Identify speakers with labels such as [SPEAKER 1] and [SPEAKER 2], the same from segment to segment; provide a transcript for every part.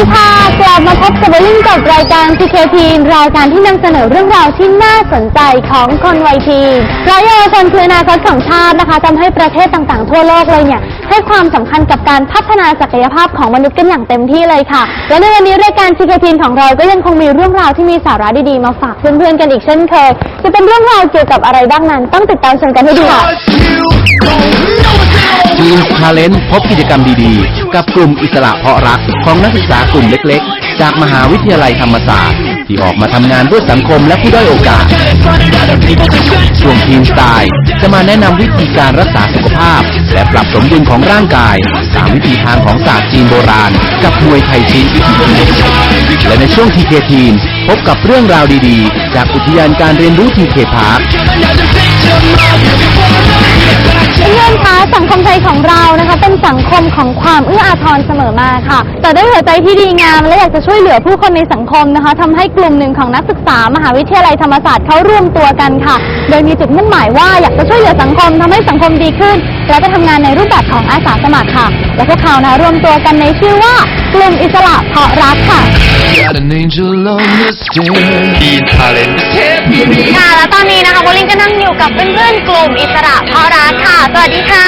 [SPEAKER 1] ดีค่ะกลับมาพบกับวลิ่งกับรายการ CK Teen รายการที่นำเสนอเรื่องราวที่น่าสนใจของคนวัยทีนเราเยาวชนคืออนาคตของชาตินะคะทำให้ประเทศต่างๆทั่วโลกเลยเนี่ยให้ความสำคัญกับการพัฒนาศักยภาพของมนุษย์กันอย่างเต็มที่เลยค่ะและในวันนี้รายการ CK Teen ของเราก็ยังคงมีเรื่องราวที่มีสาระดีๆมาฝากเพื่อนๆกันอีกเช่นเคยจะเป็นเรื่องราวเกี่ยวกับอะไรบ้างนั้นต้องติดตามชมกันให้ดีค่ะ
[SPEAKER 2] ทีมทาเลนต์พบกิจกรรมดีๆกับกลุ่มอิสระเพาะรักของนักศึกษากลุ่มเล็กๆจากมหาวิทยาลัยธรรมศาสตร์ที่ออกมาทำงานเพื่อสังคมและผู้ด้อยโอกาสช่วงทีมสไตล์จะมาแนะนำวิธีการรักษาสุขภาพและปรับสมดุลของร่างกายตามวิธีทางของศาสตร์จีนโบราณกับมวยไทยชีและในช่วงทีเคทีนพบกับเรื่องราวดีๆจากอุทยานการเรียนรู้ทีเคพาร์ค
[SPEAKER 1] เพื่อนคะสังคมไทยของเรานะคะเป็นสังคมของความเอื้ออาทรเสมอมาค่ะแต่ด้วยหัวใจที่ดีงามและอยากจะช่วยเหลือผู้คนในสังคมนะคะทำให้กลุ่มหนึ่งของนักศึกษามหาวิทยาลัยธรรมศาสตร์เขารวมตัวกันค่ะโดยมีจุดมุ่งหมายว่าอยากจะช่วยเหลือสังคมทำให้สังคมดีขึ้นและจะทำงานในรูปแบบของอาสาสมัครค่ะและพวกเขานะรวมตัวกันในชื่อว่ากลุ่มอิสระเพาะรักค่ะ
[SPEAKER 3] ทีนทาเลนต์
[SPEAKER 1] ค่ะและตอนนี้นะคะโบลิ่งก็นั่งอยู่กับเพื่อนๆกลุ่มอิสระเพาะรักค่ะสวัสดีค่ะ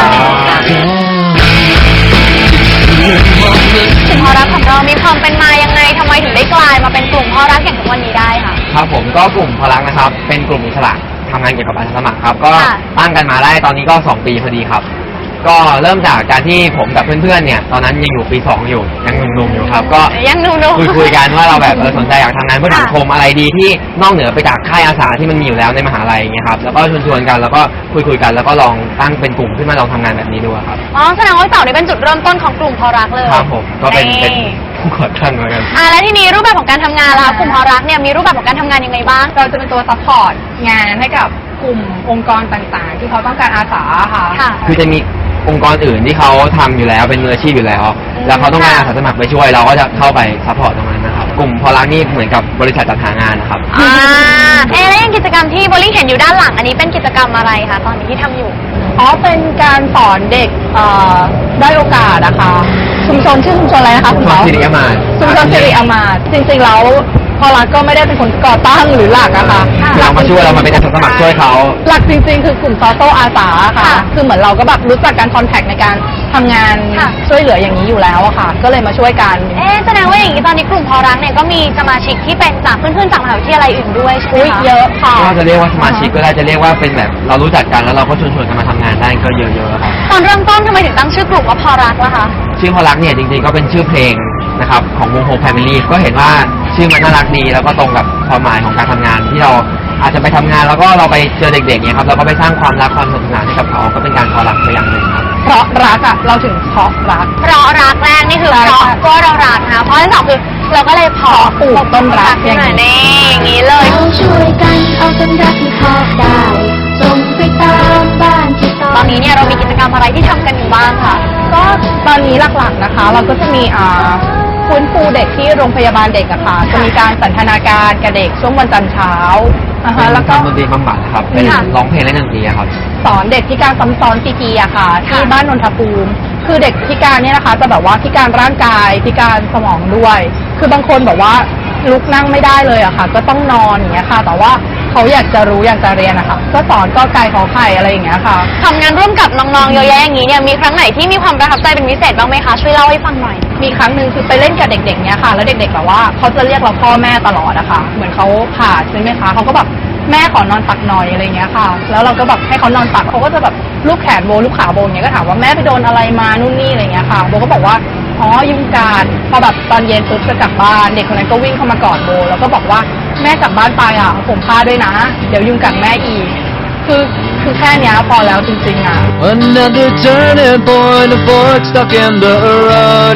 [SPEAKER 1] กลุ่มเพาะรักของเรามีความเป็นมายังไงทำไมถึงได้กลายมาเป็นกลุ่มเพาะรักอย่างทุกวันนี้ได้ค่ะ
[SPEAKER 3] ครับผมก็กลุ่มเพาะรักนะครับเป็นกลุ่มอิสระทำงานเกี่ยวกับอาสาสมัครครับก็ตั้งกันมาได้ตอนนี้ก็2 ปีพอดีครับก็เริ่มจากการที่ผมกับเพื่อนๆเนี่ยตอนนั้นยังอยู่ปี2อยู่ยังหนุ่มๆอยู่ครับก็
[SPEAKER 1] ยังหนุ่ม
[SPEAKER 3] ๆคุยกันว่าเราแบบสนใจอยากทำงานเพื่อสังคมอะไรดีที่นอกเหนือไปจากค่ายอาสาที่มันมีอยู่แล้วในมหาลัยอย่างเงี้ยครับแล้วก็ชวนๆกันแล้วก็คุยกันแล้วก็ลองตั้งเป็นกลุ่มขึ้นมาลองทำงานแบบนี้ดูครับ
[SPEAKER 1] อ๋อแสดงว่าเสานี่เป็นจุดเริ่มต้นของกลุ่มเพาะรักเลย
[SPEAKER 3] ครับผมก็เป็นผู้ก่อตั้งเหมือนกัน
[SPEAKER 1] แล้วที่นี้รูปแบบของการทำงานล่ะกลุ่มเพาะรักเนี่ยมีรูปแบบของการทำงานยังไงบ้าง
[SPEAKER 4] เราจะเป็นตัวซัพพอร์ตงานให้กับกลุ่มองค์กรต่างๆที่เขาต้องการอาสาค่ะ
[SPEAKER 3] คือจะมีองค์กรอื่นที่เขาทำอยู่แล้วเป็นมืออาชีพอยู่แล้วแล้วเขาต้องการอาสาสมัครไปช่วยเราก็จะเข้าไปซัพพอร์ตตรงนั้นนะครับกลุ่มเพาะรักนี่เหมือนกับบริษัทจัดหางานนะครับ
[SPEAKER 1] แล้วยังกิจกรรมที่โบลิ่งเห็นอยู่ด้านหลังอันนี้เป็นกิจกรรมอะไรคะตอนนี้ที่ทำอยู่
[SPEAKER 4] เป็นการสอนเด็กได้โอกาสนะคะชุมชนชื่อชุมชนอะไรนะคะ
[SPEAKER 3] ชุมชนสิริอมาต
[SPEAKER 4] ชุมชนสิริอมาตจริงๆแล้วเพาะรักก็ไม่ได้เป็นคนก่อตั้งหรือหลักอะค่ะ
[SPEAKER 3] เรามาช่วยเรามาเป็นอาสาสมัครช่วยเขา
[SPEAKER 4] หลักจริงๆคือกลุ่มซอโต้อาสาค่ะคือเหมือนเราก็แบบรู้จักการคอนแทคในการทำงานช่วยเหลืออย่างนี้อยู่แล้วอะค่ะก็เลยมาช่วยกัน
[SPEAKER 1] แสดงว่าอย่างนี้ตอนนี้กลุ่มเพาะรักเนี่ยก็มีสมาชิกที่เป็นจากเพื่อนๆจากมหาวิทยาลัยอื่นด้วยใช่ไหมคะ
[SPEAKER 4] เยอะค่ะ
[SPEAKER 3] ก็จะเรียกว่าสมาชิกก็ได้จะเรียกว่าเป็นแบบเรารู้จักกันแล้วเราก็ชวนกันมาทำงานได้ก็เยอะๆครับ
[SPEAKER 1] ตอนเริ่มต้นทำไมถึงตั้งชื่อกลุ่มว่าเพาะรักล่ะคะ
[SPEAKER 3] ชื่อเพาะรักเนี่ยจริงๆก็เป็นชื่อเพลงนะครับของวงโฮมแฟมิลี่ก็เห็นว่าชื่อมันน่ารักดีแล้วก็ตรงกับความหมายของการทำงานที่เราอาจจะไปทำงานแล้วก็เราไปเจอเด็กๆเนี่ยครับเราก็ไปสร้างความรักความสนุกสนานให้กับเขาก็เป็นการเพาะรักไปอย่างหนึ่งครับ
[SPEAKER 4] เพราะรักอะเราถึงเพาะรัก
[SPEAKER 1] เพราะรักแรกนี่คือเพราะก็เรารักนะเพราะที่สองคือเราก็เลยเพาะ
[SPEAKER 4] ปลูกต้นรัก
[SPEAKER 1] อย่างนี้เลย
[SPEAKER 5] เราช่วยกันเอาต้นรักที่เพาะได้ส่งไปตามบ้านที่
[SPEAKER 1] ตอนนี้เนี่ยเรามีกิจกรรมอะไรที่ทำกันอยู่บ้างคะ
[SPEAKER 4] ก็ตอนนี้หลักๆนะคะเราก็จะมีฟื้นฟูเด็กที่โรงพยาบาลเด็กอะค่ะจะมีการสันทนาการกับเด็กช่วงวันจันทร์เช้า
[SPEAKER 3] แล้วก็ดนตรีบำบัดครับเป็นร้องเพลงและดนตรีครับ
[SPEAKER 4] สอนเด็กพิการซ้ำซ้อนซีพีอะค่ะที่บ้านนนทภูมิคือเด็กพิการเนี่ยนะคะจะแบบว่าพิการร่างกายพิการสมองด้วยคือบางคนแบบว่าลุกนั่งไม่ได้เลยอะค่ะก็ต้องนอนอย่างเงี้ยค่ะแต่ว่าเขาอยากจะรู้อยากจะเรียนนะคะก็สอนก็ไก่ขอไข่อะไรอย่างเงี้ยค่ะ
[SPEAKER 1] ทำงานร่วมกับน้องๆเยอะแยะอย่างนี้เนี่ยมีครั้งไหนที่มีความประทับใจเป็นพิเศษบ้างไหมคะช่วยเล่าให้ฟังหน่อย
[SPEAKER 4] มีครั้งหนึ่งคือไปเล่นกับเด็กๆเนี่ยค่ะแล้วเด็กๆแบบว่าเขาจะเรียกเราพ่อแม่ตลอดอะค่ะเหมือนเขาผ่าใช่ไหมคะเขาก็แบบแม่ขอนอนตักหน่อยอะไรเงี้ยค่ะแล้วเราก็แบบให้เขานอนตักเขาก็จะแบบลูบแขนโบลูบขาโบเงี้ยก็ถามว่าแม่ไปโดนอะไรมานู่นนี่อะไรเงี้ยค่ะโบก็บอกว่าอ๋อยุงกัดพอแบบตอนเย็นปุ๊บจะกลับบ้านเด็กคนนั้นก็วิ่งเข้ามากอดโบแล้วก็บอกว่าแม่กลับบ้านไปอะผมผ้าด้วยนะเดี๋ยวยุงกัดแม่อีกคือแค่นี้พอแล้วจริงๆอะ
[SPEAKER 6] Another turning point, a fork stuck in the road.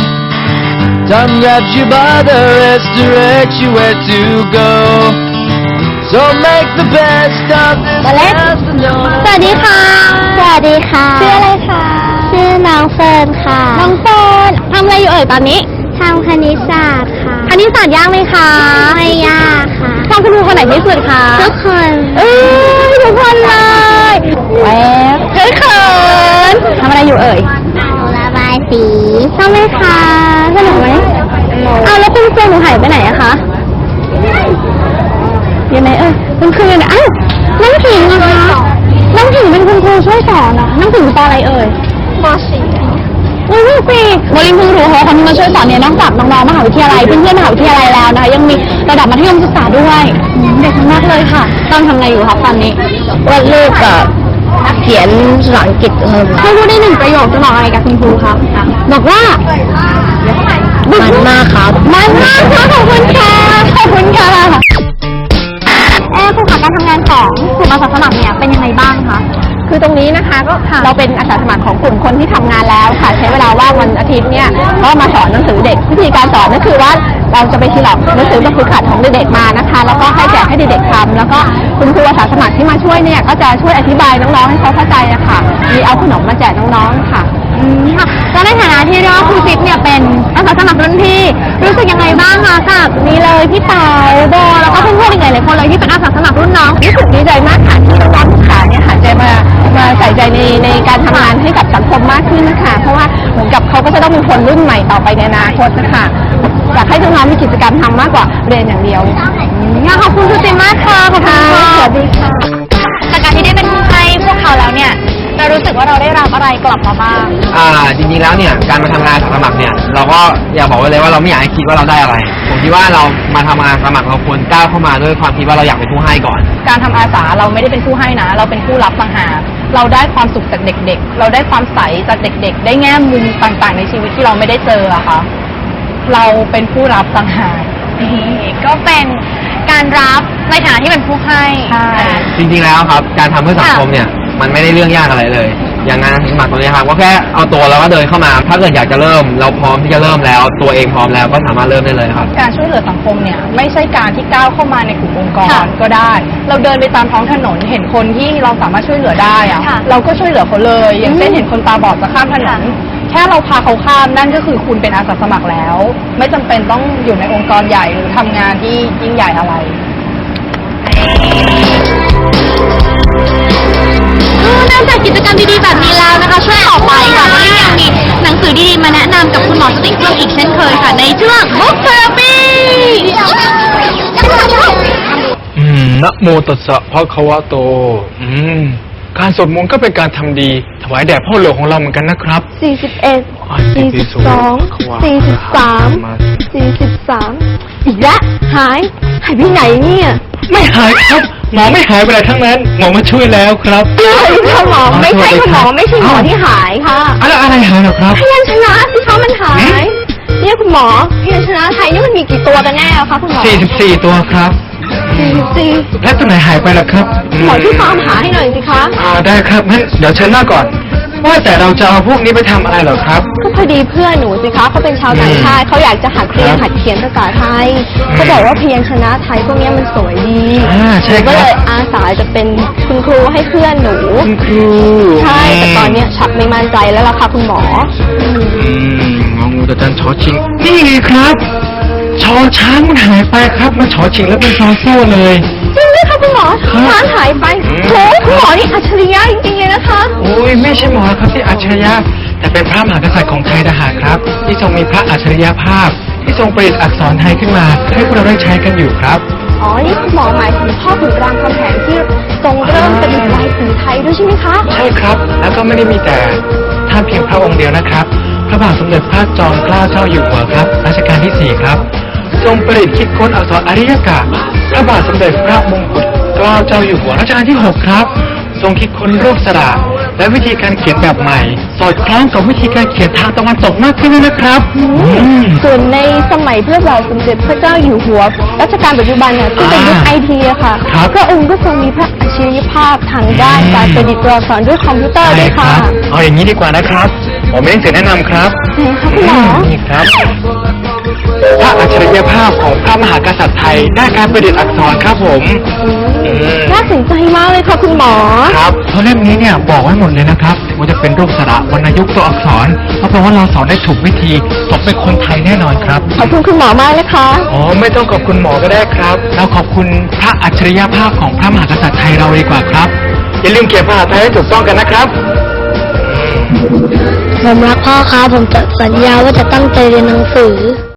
[SPEAKER 6] Time grabs you by the wrist, directs you where to go. So make the best of this afternoon.
[SPEAKER 1] สวัสดีค่ะสวัสดีค่ะชื่ออะไรคะ
[SPEAKER 5] ชื่อน้องเฟิร์นค่ะ
[SPEAKER 1] น้องเฟิร์นทำอะไรอยู่ตอนนี้
[SPEAKER 5] ทำคณิตศาสตร์ค่ะ
[SPEAKER 1] คณิตศาสตร์ยากไหมคะ
[SPEAKER 5] ไม่ยากค่ะ
[SPEAKER 1] ชอบคุณครูคนไหนที่สุดคะ
[SPEAKER 5] ทุกคน
[SPEAKER 1] ทุกคนเลยแหววเขินทำอะไรอยู่
[SPEAKER 5] ระบายสี
[SPEAKER 1] ชอบไหมคะสนุกไหมเจหนูหายไปไหนอะคะอยู่ไหนคุณครูเนี่ยอ้าวน้องผิงนะคะน้องผิงเป็นคุณครูช่วยสอนเหรอน้องผิงปอะไรม.4ม.4โลินเพิ่งรู้ว่าคนที่มาช่วยสอนเนี่ยนอกจากน้องๆมหาวิทยาลัยเพื่อนๆมหาวิทยาลัยแล้วนะคะยังมีระดับมัธยมศึกษาด้วยเด็กมากเลยค่ะตอนทำไงอยู่คะตอนนี้วาดรูปกับเขียนภาษาอังกฤษให้พูดได้1 ประโยคจะบอกอะไรกับคุณครูคะบอกว่ามันมากครับมันมากค่ะขอบคุณค่ะขอบคุณค่ะครูคะการทำงานของกลุ่มอาสาสมัครเนี่ยเป็นยังไงบ้างคะคือตรงนี้นะคะก็เราเป็นอาสาสมัครของกลุ่มคนที่ทำงานแล้วค่ะใช้เวลาว่างวันอาทิตย์เนี่ยก็มาสอนหนังสือเด็กวิธีการสอนก็คือว่าเราจะไปทีหลับหนังสือแบบฝึกหัดของเด็กๆมานะคะแล้วก็ให้แจกให้เด็กๆทำแล้วก็คุณครูอาสาสมัครที่มาช่วยเนี่ยก็จะช่วยอธิบายน้องๆให้เขาเข้าใจนะคะมีเอาขนมมาแจกน้องๆค่ะค่ะแล้วในฐานะที่เรียกว่าครูจิ๊บเนี่ยเป็นอาสาสมัครรุ่นพี่รู้สึกยังไงบ้างคะกับนี่เลยพี่เต๋าโบแล้วก็เพื่อนๆอีกหลายๆคนเลยที่เป็นอาสาสมัครรุ่นน้องรู้สึกดีใจมากค่ะที่น้องๆทุกขาเนี่ยหันใจมาใส่ใจในการทำงานให้กับสังคมมากขึ้นนะคะเพราะว่าเหมือนกับเขาก็จะต้องเป็นคนรุ่นใหม่ต่อไปในอนาคตนะคะอยากให้น้องๆมีกิจกรรมทำมากกว่าเรียนอย่างเดียวขอบคุณครูจิ๊บมากค่ะขอบคุณค่ะสวัสดีค่ะจากการที่ได้เป็นผู้ให้พวกเขาแล้วเนี่ยเรารู้สึกว่าเราได้รับอะไรกลับมาบ้าง
[SPEAKER 3] จริงๆแล้วเนี่ยการมาทำงานอาสาสมัครเนี่ยเราก็อยากบอกไว้เลยว่าเราไม่อยากให้คิดว่าเราได้อะไรผมคิดว่าเรามาทำงานอาสาสมัครเราควรก้าวเข้ามาด้วยความคิดว่าเราอยากเป็นผู้ให้ก่อน
[SPEAKER 4] การทำอาสาเราไม่ได้เป็นผู้ให้นะเราเป็นผู้รับต่างหากเราได้ความสุขจากเด็กๆเราได้ความใสจากเด็กๆได้แง่มุมต่างๆในชีวิตที่เราไม่ได้เจออะค่ะเราเป็นผู้รับต่างหาก
[SPEAKER 1] ก็เป็นการรับในฐานะที่เป็นผู้ให้
[SPEAKER 3] จริงๆแล้วครับการทำเพื่อสังคมเนี่ยมันไม่ได้เรื่องยากอะไรเลยอย่างงานสมัครตัวนี้ครับก็แค่เอาตัวแล้วก็เดินเข้ามาถ้าเกิดอยากจะเริ่มเราพร้อมที่จะเริ่มแล้วตัวเองพร้อมแล้วก็สามารถเริ่มได้เลยครับ
[SPEAKER 4] การช่วยเหลือสังคมเนี่ยไม่ใช่การที่ก้าวเข้ามาในกลุ่มองค์กรก็ได้เราเดินไปตามท้องถนนเห็นคนที่เราสามารถช่วยเหลือได้อะเราก็ช่วยเหลือเขาเลยอย่างเช่นเห็นคนตาบอดจะข้ามถนนแค่เราพาเขาข้ามนั่นก็คือคุณเป็นอาสาสมัครแล้วไม่จำเป็นต้องอยู่ในองค์กรใหญ่หรือทำงานที่ยิ่งใหญ่อะไร
[SPEAKER 1] นอกจากกิจกรรมดีๆแบบนี้แล้วนะคะช่วงต่อไปค่ะวันนี้ยังมีหนังสือดีๆมาแนะนำกับคุณหมอสติกเกอร์อีกเช่นเคยค่ะในช่วง Book Therapy
[SPEAKER 6] นะโมตัสสะภะคะวะโตการสวดมนต์ก็เป็นการทำดีถวายแด่พ่อหลวงของเราเหมือนกันนะครับ
[SPEAKER 1] 41 42 43อีกแล้วหายไปไหนเนี่ย
[SPEAKER 6] ไม่หายครับหมอไม่หายไปไหนทั้งนั้นหมอมาช่วยแล้วครับ
[SPEAKER 1] ค่ะหมอไม่ใช่คุณหมอไม่ใช่หมอที่หายค่ะ
[SPEAKER 6] อะไรหายเหรอครับ
[SPEAKER 1] พยัญชนะที่เขามันหายเนี่ยคุณหมอพยัญชนะไทยนี่มันมีกี่ตัวกันแน่คะคุณหมอ
[SPEAKER 6] 44 ตัวครับ
[SPEAKER 1] 44
[SPEAKER 6] แล้วตัวไหนหายไปล่ะครับ
[SPEAKER 1] หมอที่ตามหาให้หน่อยสิคะ
[SPEAKER 6] ได้ครับงั้นเดี๋ยวเชิญหน้าก่อนว่าแต่เราจะเอาพวกนี้ไปทำอะไรเหรอครับ
[SPEAKER 1] ก็พอดีเพื่อนหนูสิคะเขาเป็นชาวต่างชาติเขาอยากจะหัดเรียนหัดเขียนภาษาไทยเขาบอกว่าพยัญชนะไทยพวกนี้มันสวยดี
[SPEAKER 6] ใช่ครับ
[SPEAKER 1] ก็เลยอาสาจะเป็นคุณครูให้เพื่อนหนู
[SPEAKER 6] คุณครู
[SPEAKER 1] ใช่แต่ตอนนี้ชักไม่มั่นใจแล้วล่ะค่ะคุณหมอ
[SPEAKER 6] งองูแต่จันชอชิงนี่ไงครับชอช้างมันหายไปครับมันชอชิงแล้วเป็นซอโซ่เลย
[SPEAKER 1] จริงไหมคะคุณหมอช้างหายไปโหคุณหมอนี่อัจฉริยะจริงๆเลยนะคะ
[SPEAKER 6] โอ้ยไม่ใช่หมอครับที่อัจฉริยะแต่เป็นพระมหากษัตริย์ของไทยทหารครับที่ทรงมีพระอัจฉริยภาพที่ทรงประดิษฐ์อักษรไทยขึ้นมาให้พวกเราได้ใช้กันอยู่ครับ
[SPEAKER 1] นี่คุณหมอหมายถึงพ่อขุนรามคำแหงที่ทรงเริ่มประดิษฐ์ลายสื่อไทยด้วยใช่ไหมคะ
[SPEAKER 6] ใช่ครับแล้วก็ไม่ได้มีแต่ท่านเพียงพระองค์เดียวนะครับพระบาทสมเด็จพระจอมเกล้าเจ้าอยู่หัวครับรัชกาลที่4ครับทรงประดิษฐ์คิดค้นอักษรอาริยกะพระบาทสมเด็จพระมงกุฎเกล้าเจ้าอยู่หัวรัชกาลที่6ครับทรงคิดค้นรูปสระและวิธีการเขียนแบบใหม่สอดคล้องกับวิธีการเขียนทางตะวันตกมากขึ้นด้วยนะครับ
[SPEAKER 1] ส่วนในสมัยพระบาทสมเด็จพระเจ้าอยู่หัวรัชกาลปัจจุบันเนี่ยที่เป็นยุคITอะค่ะพระองค์ก็ทรงมีพระอัจฉริยภาพทางด้านการประดิษฐ์ตัวอักษรด้วยคอมพิวเตอร์ด้วยค่ะ
[SPEAKER 6] เอาอย่างนี้ดีกว่านะครับผมมีหนังสือแนะนำครับ
[SPEAKER 1] คุณหมอ
[SPEAKER 6] นี่ครับพระอัจฉริยภาพของพระมหากษัตริย์ไทยด้านการประดิษฐ์อักษรครับผม
[SPEAKER 1] น่าสนใจมากเลยค่ะคุณหมอ
[SPEAKER 6] ครับเพราะเล่มนี้เนี่ยบอกไว้หมดเลยนะครับว่าจะเป็นรูปสระวรรณยุกต์ตัวอักษรเพราะว่าเราสอนได้ถูกวิธีสมเป็นคนไทยแน่นอนครับ
[SPEAKER 1] ขอบคุณคุณหมอมากนะคะ
[SPEAKER 6] ไม่ต้องขอบคุณหมอก็ได้ครับเราขอบคุณพระอัจฉริยภาพของพระมหากษัตริย์ไทยเราดีกว่าครับอย่าลืมเขียนภาษาไทยให้ถูกต้องกันนะครับ
[SPEAKER 1] ผมรักพ่อครับผมจะสัญญาว่าจะตั้งใจเรียนหนังสือ